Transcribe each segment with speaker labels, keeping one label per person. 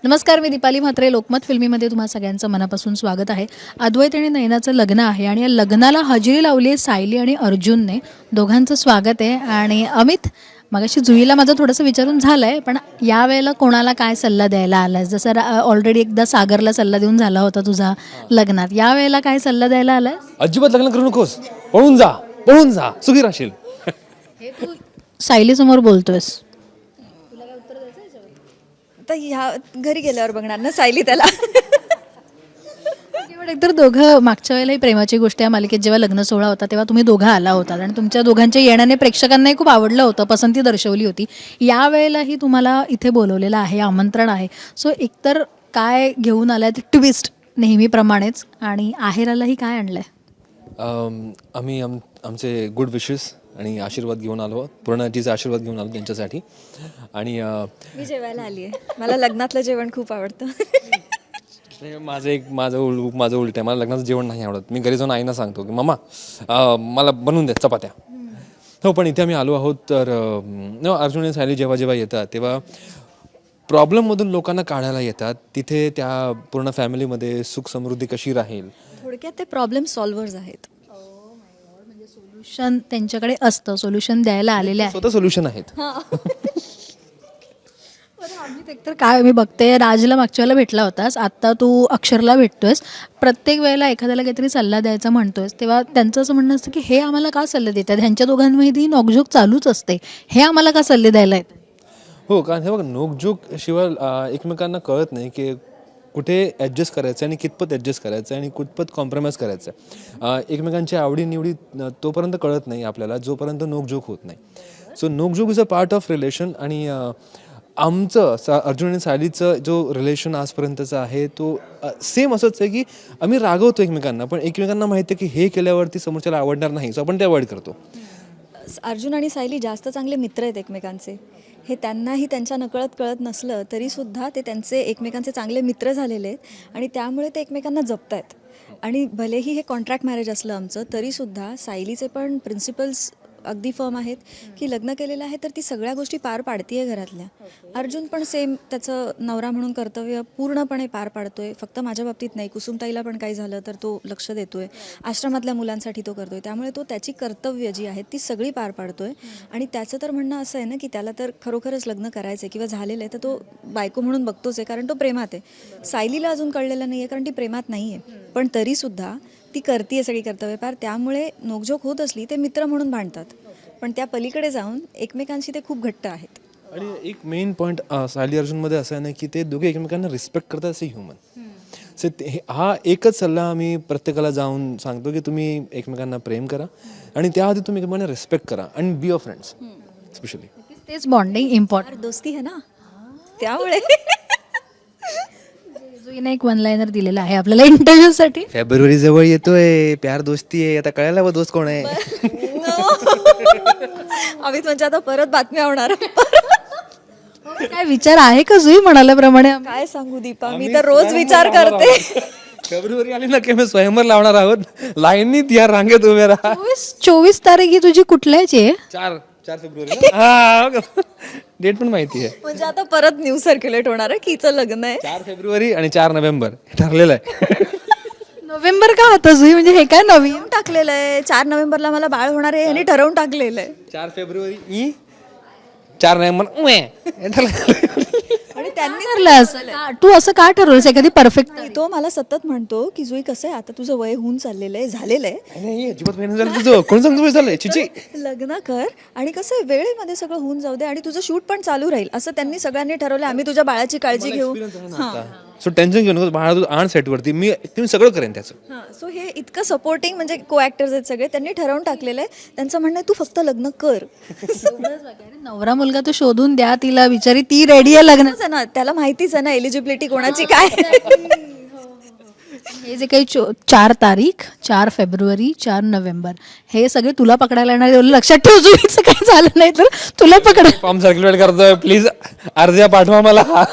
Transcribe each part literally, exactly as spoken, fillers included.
Speaker 1: नमस्कार, मी दीपाली म्हात्रे. लोकमत फिल्मीमध्ये तुम्हा सगळ्यांचं मनापासून स्वागत आहे. अद्वैत आणि नयनाचं लग्न आहे आणि या लग्नाला हजेरी लावली आहे सायली आणि अर्जुनने. दोघांचं स्वागत आहे. आणि अमित, मगाशी जुईला माझं थोडंसं विचारून झालं आहे, पण यावेळेला कोणाला काय सल्ला द्यायला आलास? जसं ऑलरेडी एकदा सागरला सल्ला देऊन झाला होता तुझा लग्नात, यावेळेला काय सल्ला द्यायला आलास?
Speaker 2: अजिबात लग्न करू नकोस, पळून जा पळून जा, सुखी राहशील.
Speaker 1: हे तू सायलीसमोर बोलतोयस.
Speaker 3: आता ह्या घरी गेल्यावर बघणार ना सायली त्याला.
Speaker 1: पण एकतर दोघं मागच्या वेळेलाही प्रेमाची गोष्ट या मालिकेत जेव्हा लग्न सोहळा होता तेव्हा तुम्ही दोघं आला होता आणि तुमच्या दोघांच्या येण्याने प्रेक्षकांनाही खूप आवडलं होतं, पसंती दर्शवली होती. यावेळेलाही तुम्हाला इथे बोलवलेलं आहे, आमंत्रण आहे. सो एकतर काय घेऊन आलाय ते ट्विस्ट नेहमीप्रमाणेच, आणि आहेरालाही काय आणलंय?
Speaker 2: अम, आम्ही आम आमचे गुड विशेस आणि आशीर्वाद घेऊन आलो, पूर्ण टीचा आशीर्वाद घेऊन आलो त्यांच्यासाठी. आणि अ,
Speaker 3: मी जेवायला आली आहे, मला लग्नातलं जेवण खूप आवडतं.
Speaker 2: नाही, माझं एक माझं उल माझं उलट आहे, मला लग्नाचं जेवण नाही आवडत. मी घरी जाऊन आईना सांगतो की मम्मा अ, मला बनवून द्या चपात्या. हो, पण इथे आम्ही आलो आहोत तर न अर्जुन आणि सायली जेव्हा जेव्हा येतात तेव्हा प्रॉब्लेममधून लोकांना काढायला येतात. तिथे त्या पूर्ण फॅमिलीमध्ये सुख समृद्धी कशी राहील,
Speaker 3: थोडक्यात ते प्रॉब्लेम सॉल्व्हर्स आहेत.
Speaker 1: सोल्युशन त्यांच्याकडे असतं, सोल्युशन द्यायला आलेले आहे.
Speaker 2: स्वतः सोल्युशन आहेत.
Speaker 1: एकतर काय मी बघते, राजला मागच्या वेळेला भेटला होतास, आत्ता तू अक्षरला भेटतोयस. प्रत्येक वेळेला एखाद्याला काहीतरी सल्ला द्यायचा म्हणतोयस तेव्हा त्यांचं असं म्हणणं असतं की हे आम्हाला का सल्ले देतात, ह्यांच्या दोघांमध्ये नोकझोक चालूच असते, हे आम्हाला का सल्ले द्यायला आहेत?
Speaker 2: हो, कारण हे बघा, नोकझोक शिवाय अ, एकमेकांना कळत नाही की कुठे ॲडजस्ट करायचं आणि कितपत ॲडजस्ट करायचं आणि कुठपत कॉम्प्रोमाइज करायचं. अ, एकमेकांच्या आवडीनिवडी अ, तोपर्यंत कळत नाही आपल्याला जोपर्यंत नोकझोक होत नाही. सो नोकझोक is a part of relation. आणि अ, आमचं सा अर्जुन आणि सायलीचं जो रिलेशन आजपर्यंतचा आहे तो सेम असंच आहे की आम्ही रागवतो एकमेकांना, पण एकमेकांना माहिती आहे की हे केल्यावरती समोरच्याला आवडणार नाही, सो आपण ते अवॉइड करतो.
Speaker 3: अर्जुन आणि सायली जास्त चांगले मित्र आहेत एकमेकांचे. हे त्यांनाही त्यांच्या नकळत कळत नसलं तरीसुद्धा ते त्यांचे एकमेकांचे चांगले मित्र झालेले आहेत आणि त्यामुळे ते एकमेकांना जपत आहेत. आणि भलेही हे कॉन्ट्रॅक्ट मॅरेज असलं आमचं, तरीसुद्धा सायलीचे पण प्रिन्सिपल्स अगदी फर्म आहेत की लग्न केलेलं आहे तर ती सगळ्या गोष्टी पार पाडती आहे घरातल्या. अर्जुन पण सेम त्याचं नवरा म्हणून कर्तव्य पूर्णपणे पार पाडतोय. फक्त माझ्या बाबतीत नाही, कुसुमताईला पण काही झालं तर तो लक्ष देतोय, आश्रमातल्या मुलांसाठी तो करतोय. त्यामुळे तो त्याची कर्तव्य जी आहेत ती सगळी पार पाडतोय. आणि त्याचं तर म्हणणं असं आहे ना की त्याला तर खरोखरच लग्न करायचं आहे किंवा झालेलं आहे तर तो बायको म्हणून बघतोच आहे, कारण तो प्रेमात आहे. सायलीला अजून कळलेलं नाही आहे कारण ती प्रेमात नाही आहे, पण तरीसुद्धा ती करते सगळी कर्तव्य पार. त्यामुळे नोकझोक होत असली ते मित्र म्हणून भांडतात, पण त्या पलीकडे जाऊन एकमेकांशी ते खूप घट्ट आहेत.
Speaker 2: आणि एक मेन पॉईंट सायली अर्जुनमध्ये असं आहे ना की ते दोघे एकमेकांना रिस्पेक्ट करतात असे ह्युमन. सो हा एकच सल्ला आम्ही प्रत्येकाला जाऊन सांगतो की तुम्ही एकमेकांना प्रेम करा आणि त्याआधी तुम्ही एकमेकांना रिस्पेक्ट करा आणि बी अ फ्रेंड्स स्पेशली.
Speaker 1: तेच बॉन्डिंग इम्पॉर्टंट.
Speaker 3: दोस्ती है ना, त्यामुळे
Speaker 1: जुईने एक वन लाईनर दिलेला आहे आपल्याला इंटरव्ह्यूसाठी.
Speaker 4: फेब्रुवारी जवळ येतोय, प्यार दोस्ती आहे, आता कळायला व दोस्त कोण आहे.
Speaker 3: आम्ही म्हणजे आता परत बातम्या होणार.
Speaker 1: काय विचार आहे का जुई म्हणाल्याप्रमाणे?
Speaker 3: काय सांगू दीपा, मी तर रोज विचार करते.
Speaker 2: फेब्रुवारी आली ना की मी स्वयंवर लावणार आहोत, लाईनीत या रांगेत उभे राहा.
Speaker 1: चोवीस चोवीस तारीख ही तुझी कुठल्याची आहे?
Speaker 2: चार चार फेब्रुवारी हा डेट पण माहिती आहे.
Speaker 3: म्हणजे आता परत न्यूज सर्क्युलेट होणार आहे की हिचं लग्न आहे.
Speaker 2: चार फेब्रुवारी आणि चार नोव्हेंबर ठरलेलं आहे.
Speaker 1: नोव्हेंबर का होतं जुई, म्हणजे हे काय नवीन?
Speaker 3: ठरवून टाकलेलं आहे चार नोव्हेंबरला मला बाळ होणार आहे यांनी ठरवून टाकलेलं आहे.
Speaker 2: चार फेब्रुवारी ई चार नोव्हेंबर उए. हे ठरलं.
Speaker 3: आणि त्यांनी
Speaker 1: ठरलं असं का? तू असं का ठरवलंस एखादी परफेक्ट?
Speaker 3: तो मला सतत म्हणतो की जुई कसं आहे, आता तुझं वय होऊन चाललेलं आहे, झालेलं आहे,
Speaker 2: नाही अजिबात महिना झालं तुझं, कोण सांगतो वय झालंय चिची.
Speaker 3: लग्न कर आणि कसं आहे वेळेमध्ये सगळं होऊन जाऊ दे आणि तुझं शूट पण चालू राहील असं त्यांनी सगळ्यांनी ठरवलं. आम्ही तुझ्या बाळाची काळजी घेऊ.
Speaker 2: सो टेन्शन घेऊ नको, बाळा तू आण सेटवरती, मी तुम्ही सगळं करेन त्याचं.
Speaker 3: हां, सो हे इतकं सपोर्टिंग म्हणजे को ॲक्टर्स आहेत सगळे, त्यांनी ठरवून टाकलेलं आहे. त्यांचं म्हणणं आहे तू फक्त लग्न कर.
Speaker 1: नवरा मुलगा तो शोधून द्या तिला, बिचारी ती रेडी आहे लग्न.
Speaker 3: आहे ना, त्याला माहितीच आहे ना एलिजिबिलिटी कोणाची काय.
Speaker 1: हे जे काही चो चार तारीख, चार फेब्रुवारी, चार नोव्हेंबर, हे सगळे तुला पकडायला येणार. एवढं लक्षात ठेव, जुईचं काही झालं नाही तर तुला पकड.
Speaker 2: फॉर्म सर्क्युलेट करतोय, प्लीज अर्ध्या पाठवा मला.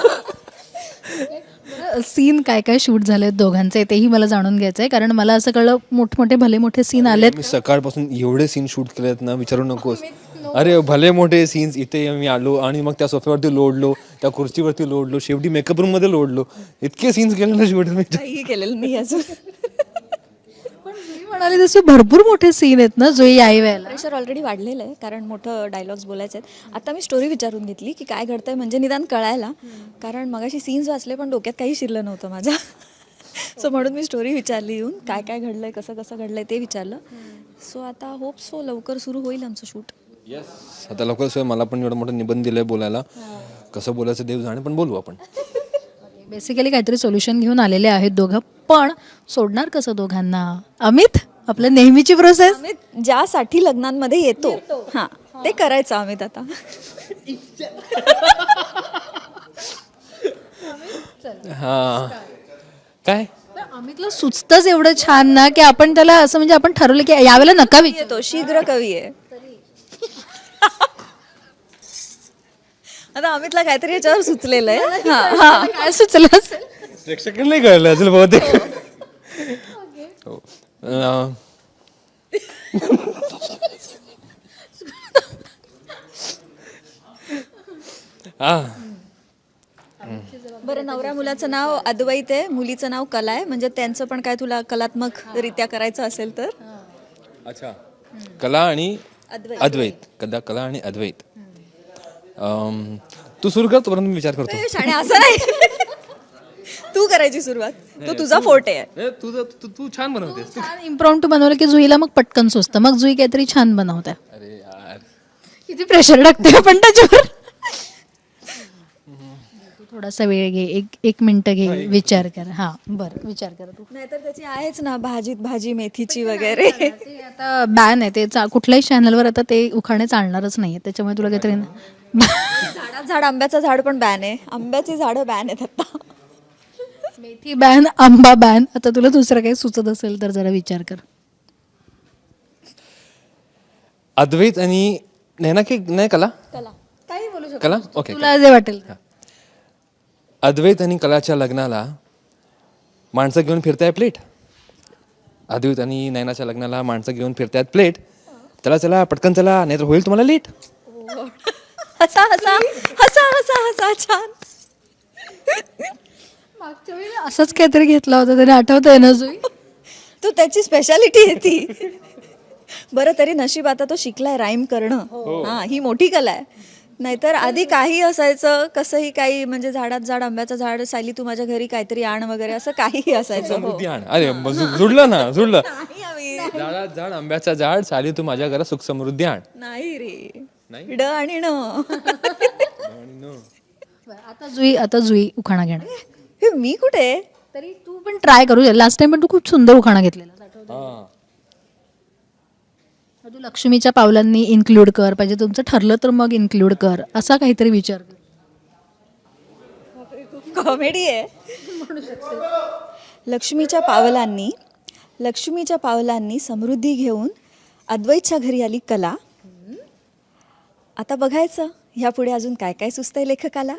Speaker 1: सीन काय काय शूट झालेत दोघांचे तेही मला जाणून घ्यायचं आहे, कारण मला असं कळलं मोठमोठे भले मोठे सीन आलेत.
Speaker 2: मी सकाळपासून एवढे सीन शूट केलेत ना, विचारू नकोस. अरे भले मोठे सीन्स, इथे मी आलो आणि मग त्या सोफ्यावरती लोडलो, त्या खुर्चीवरती लोडलो, शेवटी मेकअप रूम मध्ये लोडलो, इतके सीन्स केले ना शेवटी मी.
Speaker 3: काहीही केलेलं नाही अजून.
Speaker 1: पण जुई म्हणाली तसे भरपूर मोठे सीन आहेत ना जुई आई वेळेला.
Speaker 3: प्रेशर ऑलरेडी वाढलेलं आहे कारण मोठं डायलॉग्स बोलायचे आहेत. आता मी स्टोरी विचारून घेतली की काय घडतंय म्हणजे निदान कळायला, कारण मगाशी सीन्स वाचले पण डोक्यात काही शिरलं नव्हतं माझ्या. सो म्हणून मी स्टोरी विचारली येऊन, काय काय घडलंय, कसं कसं घडलंय ते विचारलं. सो आता होप सो लवकर सुरू होईल आमचं शूट.
Speaker 2: आता लवकर मला पण एवढं मोठं निबंध दिलंय बोलायला, कसं बोलायचं देव जाणे, पण बोलू आपण.
Speaker 1: बेसिकली काहीतरी सोल्युशन घेऊन आलेले आहेत दोघं, पण सोडणार कसं दोघांना? अमित, आपलं नेहमीची प्रोसेस.
Speaker 3: अमित ज्यासाठी लग्नांमध्ये येतो हां ते करायचं अमित आता.
Speaker 2: हा काय
Speaker 1: अमितला सुचतच एवढं छान ना की आपण त्याला असं म्हणजे आपण ठरवलं की यावेळेला नका विचारू.
Speaker 3: येतो शीघ्र कवी आहे. आता अमितला काहीतरी याच्यावर सुचलेलं आहे. हां हां
Speaker 1: काय सुचलं असेल?
Speaker 2: प्रेक्षकांना नाही कळलं असेल बहुतेक. हो. अं, हा
Speaker 3: बरं, नवऱ्या मुलाचं नाव अद्वैत आहे, मुलीचं नाव कला आहे, म्हणजे त्यांचं पण काय तुला कलात्मक रित्या करायचं असेल तर.
Speaker 2: अच्छा, कला आणि
Speaker 3: अद्वैत.
Speaker 2: अद्वैत, कदा कला आणि अद्वैत. अं, तू सुरू कर, तोपर्यंत मी विचार करतो.
Speaker 3: ए, शाणे असं नाही. तू करायची सुरुवात, तो तुझा फोर्ट आहे.
Speaker 2: ए, तुझं तू तू छान बनवतेस.
Speaker 1: छान इम्प्रॉम्प्टू बनवलं की जुईला मग पटकन सुचतं, मग जुई काहीतरी छान बनवते.
Speaker 2: अरे यार,
Speaker 1: किती प्रेशर टाकते आपण त्याच्यावर. तू थोडासा वेळ घे, एक एक मिनिट घे, विचार कर. हा बरं, विचार कर तू.
Speaker 3: नाहीतर त्याची आहेच ना भाजीत भाजी मेथीची वगैरे.
Speaker 1: ते आता बॅन आहे ते, चा- कुठल्याही चॅनलवर आता ते उखाणे चालणारच नाही, त्याच्यामुळे तुला काहीतरी
Speaker 3: झाडात झाड, आंब्याचं झाड पण बॅन आहे, आंब्याची झाडं बॅन आहेत आता.
Speaker 1: मेथी बॅन, आंबा बॅन. आता तुला दुसरं काही सुचत असेल तर जरा विचार कर.
Speaker 2: अद्वैत आणि नैना की नाही कला
Speaker 3: कला काही बोलू शकतो.
Speaker 2: कला ओके.
Speaker 1: तुला जे वाटेल ते.
Speaker 2: अद्वैत आणि कलाच्या लग्नाला माणसं घेऊन फिरताय प्लेट. अद्वैत आणि नैनाच्या लग्नाला माणसं घेऊन फिरतायत प्लेट. चला चला पटकन चला, नाहीतर होईल तुम्हाला लेट.
Speaker 3: हसा हसा हसा हसा हसा छान.
Speaker 1: मागच्या वेळी असंच काहीतरी घेतला होता, त्याने आठवतंय ना जुई?
Speaker 3: तू त्याची स्पेशालिटी आहे ती. बरं तरी नशीब आता तो शिकलाय राईम करणं. हा ही मोठी कला आहे. नाहीतर आधी काही असायचं, कसंही काही, म्हणजे झाडात झाड, आंब्याचं झाड, सायली तू माझ्या घरी काहीतरी आण वगैरे असं काहीही असायचं. हो.
Speaker 2: समृद्धी आण. अरे मग जु- जुडलं ना, जुडलं.
Speaker 3: नाही आम्ही-
Speaker 2: झाडात झाड, आंब्याचा झाड, साली तू माझ्या घरात सुख समृद्धी आण.
Speaker 3: नाही रे, ड आणि न.
Speaker 1: आता जुई आता जुई उखाणा घेणार.
Speaker 3: हे मी कुठे?
Speaker 1: तरी तू पण ट्राय करू. लास्ट टाइम पण तू खूप सुंदर उखाणा घेतलेला.
Speaker 2: हा.
Speaker 1: तू लक्ष्मीच्या पावलांनी इन्क्लूड कर, पाहिजे तुमचं ठरलं तर मग इन्क्लूड कर, असा काहीतरी विचार कर.
Speaker 3: कॉमेडी आहे. लक्ष्मीच्या पावलांनी लक्ष्मीच्या पावलांनी समृद्धी घेऊन अद्वैतच्या घरी आली कला. आता बघायचं ह्यापुढे अजून काय काय सुचतंय लेखकाला.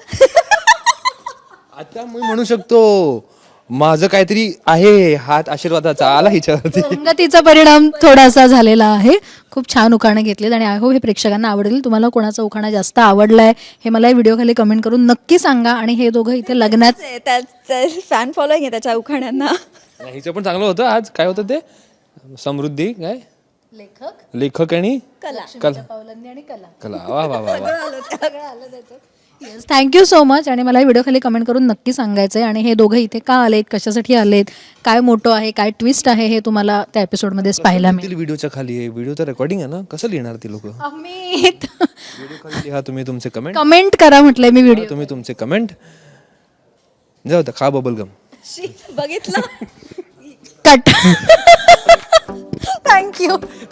Speaker 2: आता मी म्हणू शकतो माझं काहीतरी आहे हात आशीर्वादाचा आला हिच्यावरती.
Speaker 1: संगतीचा परिणाम थोडासा झालेला आहे. खूप छान उखाणे घेतलेत आणि आय होप हे प्रेक्षकांना आवडेल. तुम्हाला कोणाचा उखाणा जास्त आवडलाय हे मला व्हिडिओ खाली कमेंट करून नक्की सांगा. आणि हे दोघं इथे लग्नात
Speaker 3: फॅन फॉलोईंग आहे त्याच्या उखाण्यांना.
Speaker 2: नाही, हिचं पण चांगलं होतं. आज काय होतं ते समृद्धी काय
Speaker 1: लेखक
Speaker 2: लेखक आणि
Speaker 3: कला.
Speaker 2: कला
Speaker 1: पावलांनी आणि कला.
Speaker 2: कला वा वा वा वा.
Speaker 1: Yes, thank you so much. आणि मला व्हिडिओ खाली कमेंट करून नक्की सांगायचं आहे. आणि हे दोघं इथे का आलेत, कशासाठी आलेत, काय मोठं आहे, काय ट्विस्ट आहे, हे तुम्हाला त्या एपिसोडमध्येच पाहायला मिळेल.
Speaker 2: व्हिडिओच्या खाली आहे, व्हिडिओ तर रेकॉर्डिंग आहे ना, कसं लिहिणार ती लोक?
Speaker 1: अमित
Speaker 2: व्हिडिओ खाली लिहा तुम्ही तुमचे कमेंट,
Speaker 1: कमेंट करा म्हटलंय मी व्हिडिओ.
Speaker 2: तुम्ही तुमचे कमेंट. जाऊ द्या, खा बबल गम.
Speaker 3: शी, बघितलं.
Speaker 1: कट. थँक्यू.